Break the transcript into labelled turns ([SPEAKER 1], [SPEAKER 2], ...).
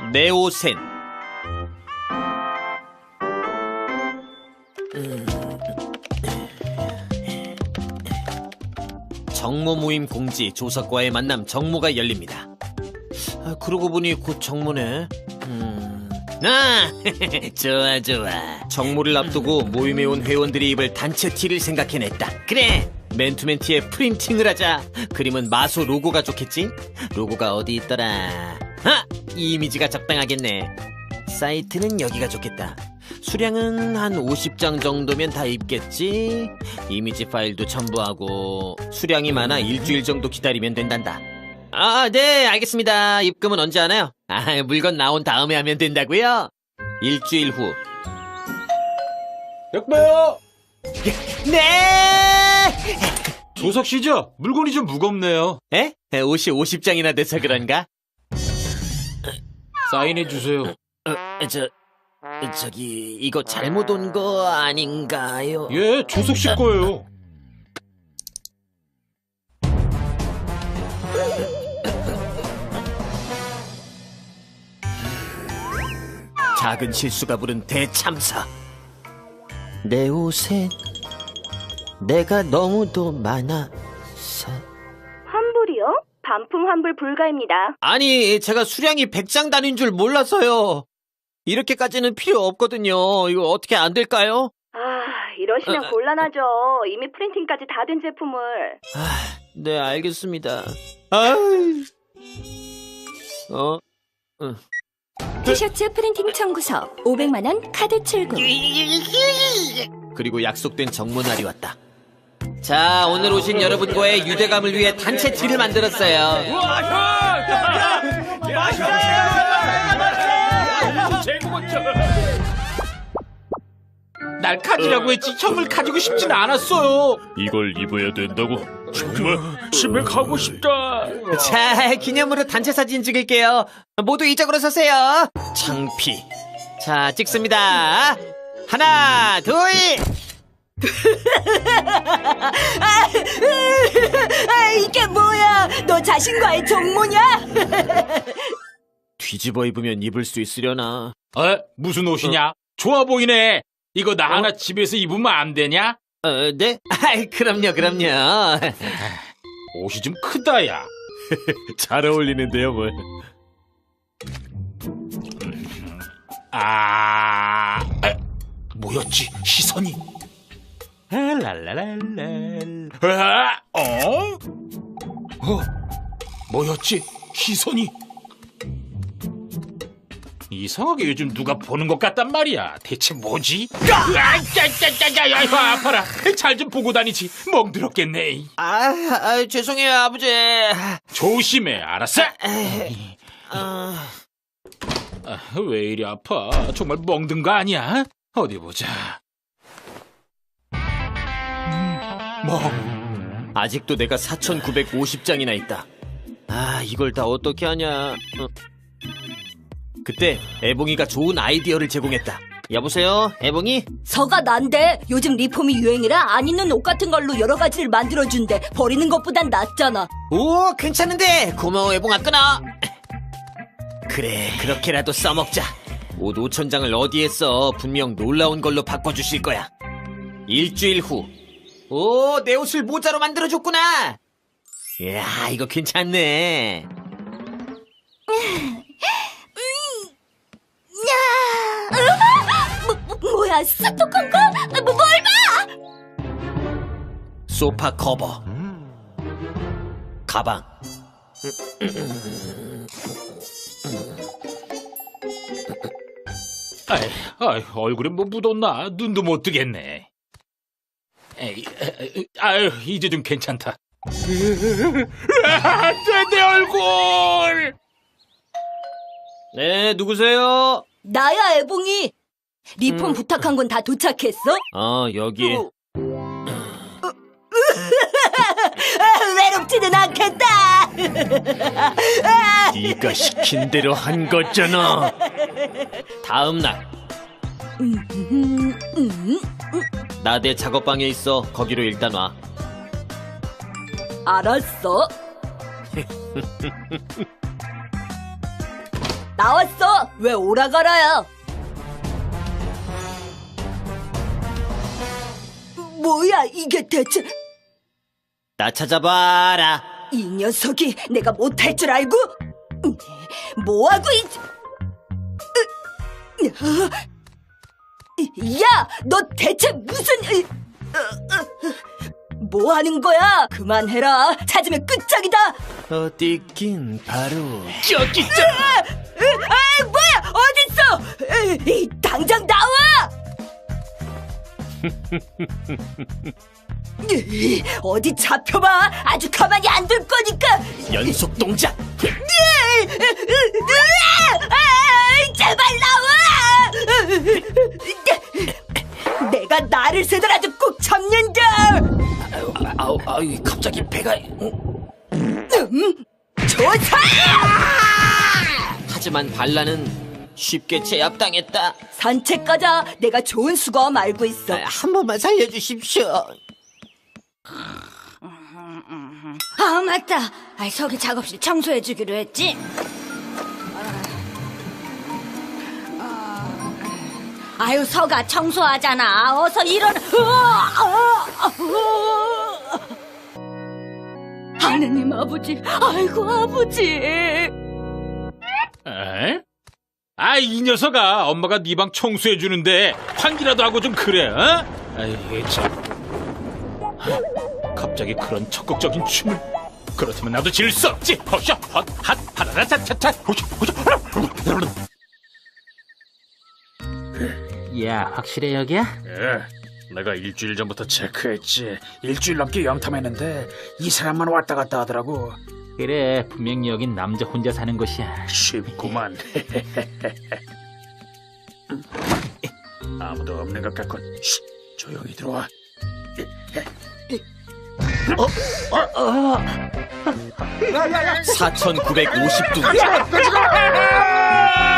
[SPEAKER 1] 네오센. 정모 모임 공지 조석과의 만남 정모가 열립니다. 그러고 보니 곧 정모네. 좋아 좋아. 정모를 앞두고 모임에 온 회원들이 입을 단체 티를 생각해냈다. 그래, 맨투맨 티에 프린팅을 하자. 그림은 마소 로고가 좋겠지? 로고가 어디 있더라. 이 이미지가 적당하겠네. 사이트는 여기가 좋겠다. 수량은 한 50장 정도면 다 입겠지? 이미지 파일도 첨부하고 수량이 많아 일주일 정도 기다리면 된단다. 네, 알겠습니다. 입금은 언제 하나요? 물건 나온 다음에 하면 된다고요? 일주일 후.
[SPEAKER 2] 역배요!
[SPEAKER 1] 네!
[SPEAKER 2] 조석 씨죠? 물건이 좀 무겁네요.
[SPEAKER 1] 에? 옷이 50장이나 돼서 그런가?
[SPEAKER 2] 사인해 주세요.
[SPEAKER 1] 저기 이거 잘못 온 거 아닌가요?
[SPEAKER 2] 예, 조석 씨 거예요.
[SPEAKER 1] 작은 실수가 부른 대참사. 내 옷에 내가 너무도 많아서.
[SPEAKER 3] 환불이요? 반품 환불 불가입니다.
[SPEAKER 1] 아니, 제가 수량이 100장 단위인 줄 몰라서요. 이렇게까지는 필요 없거든요. 이거 어떻게 안 될까요?
[SPEAKER 3] 이러시면 곤란하죠. 이미 프린팅까지 다 된 제품을.
[SPEAKER 1] 네, 알겠습니다.
[SPEAKER 3] 티셔츠 프린팅 청구서 500만원 카드 출금.
[SPEAKER 1] 그리고 약속된 정모날이 왔다. 자, 오늘 오신 여러분과의 유대감을 위해 단체 티를 만들었어요.
[SPEAKER 2] 날 가지라고 했지 형을 가지고 싶진 않았어요.
[SPEAKER 4] 이걸 입어야 된다고? 정말 집에 가고 싶다.
[SPEAKER 1] 자, 기념으로 단체 사진 찍을게요. 모두 이쪽으로 서세요. 창피. 자, 찍습니다. 하나, 둘.
[SPEAKER 3] 이게 뭐야? 너 자신과의 정모냐?
[SPEAKER 1] 뒤집어 입으면 입을 수 있으려나?
[SPEAKER 2] 무슨 옷이냐? 좋아 보이네. 이거 나 하나 집에서 입으면 안 되냐?
[SPEAKER 1] 네? 그럼요.
[SPEAKER 2] 옷이 좀 크다, 야.
[SPEAKER 4] 잘 어울리는데요, 뭘.
[SPEAKER 2] 뭐였지? 시선이. 뭐였지? 시선이. 이상하게 요즘 누가 보는 것 같단 말이야. 대체 뭐지? 야, 아파라. 잘 좀 보고 다니지. 멍들었겠네.
[SPEAKER 1] 죄송해요, 아버지.
[SPEAKER 2] 조심해, 알았어? 왜 이리 아파? 정말 멍든 거 아니야? 어디 보자.
[SPEAKER 1] 아직도 내가 4,950장이나 있다. 이걸 다 어떻게 하냐. 그때 애봉이가 좋은 아이디어를 제공했다. 여보세요, 애봉이?
[SPEAKER 3] 서가 난데 요즘 리폼이 유행이라 안 입는 옷 같은 걸로 여러 가지를 만들어준대. 버리는 것보단 낫잖아.
[SPEAKER 1] 오, 괜찮은데. 고마워, 애봉아. 끊어. 그래, 그렇게라도 써먹자. 옷 5,000장을 어디에 써. 분명 놀라운 걸로 바꿔주실 거야. 일주일 후. 오, 내 옷을 모자로 만들어줬구나. 이야, 이거 괜찮네.
[SPEAKER 3] 뭐야, 스토커인 거? 뭘 봐?
[SPEAKER 1] 소파 커버, 가방.
[SPEAKER 2] 얼굴에 뭐 묻었나? 눈도 못 뜨겠네. 이제 좀 괜찮다. 내 얼굴!
[SPEAKER 1] 네, 누구세요?
[SPEAKER 3] 나야, 애봉이. 리폼 부탁한 건 다 도착했어?
[SPEAKER 1] 여기.
[SPEAKER 3] 외롭지는 않겠다.
[SPEAKER 1] 네가 시킨 대로 한 거잖아. 다음 날. 나 내 작업방에 있어. 거기로 일단 와.
[SPEAKER 3] 알았어. 나왔어. 왜 오라가라야? 뭐야 이게 대체?
[SPEAKER 1] 나 찾아봐라.
[SPEAKER 3] 이 녀석이 내가 못할 줄 알고? 뭐하고 야, 너 대체 무슨... 뭐 하는 거야? 그만해라. 찾으면 끝장이다.
[SPEAKER 1] 어디 있긴 바로
[SPEAKER 2] 저기 있잖아.
[SPEAKER 3] 뭐야? 어딨어? 당장 나와! 어디 잡혀봐. 아주 가만히 안 둘 거니까.
[SPEAKER 1] 연속 동작.
[SPEAKER 3] 제발 나와! 내가 나를 세더라도 꼭 잡는다.
[SPEAKER 1] 아우, 갑자기 배가.
[SPEAKER 3] 조사!
[SPEAKER 1] 하지만 발라는 쉽게 제압당했다.
[SPEAKER 3] 산책 가자. 내가 좋은 수거함 알고 있어.
[SPEAKER 1] 한 번만 살려주십시오.
[SPEAKER 3] 아 맞다. 서기 작업실 청소해주기로 했지. 아유 서가 청소하잖아. 어서 일어나. 하느님 아버지. 아이고 아버지.
[SPEAKER 2] 에? 아, 이 녀석아, 엄마가 네 방 청소해 주는데 환기라도 하고 좀 그래, 어? 아이 참. 갑자기 그런 적극적인 춤을. 그렇다면 나도 질 수 없지. 허샤, 헛, 핫, 하라라, 차차차, 호샤, 호샤.
[SPEAKER 5] 야, 확실해 여기야?
[SPEAKER 4] 예, 내가 일주일 전부터 체크했지. 일주일 넘게 영탐했는데 이 사람만 왔다 갔다 하더라고.
[SPEAKER 5] 그래, 분명히 여긴 남자 혼자 사는 곳이야.
[SPEAKER 4] 쉽구만. 아무도 없는 것 같군. 쉿, 조용히 들어와.
[SPEAKER 1] 4,950두.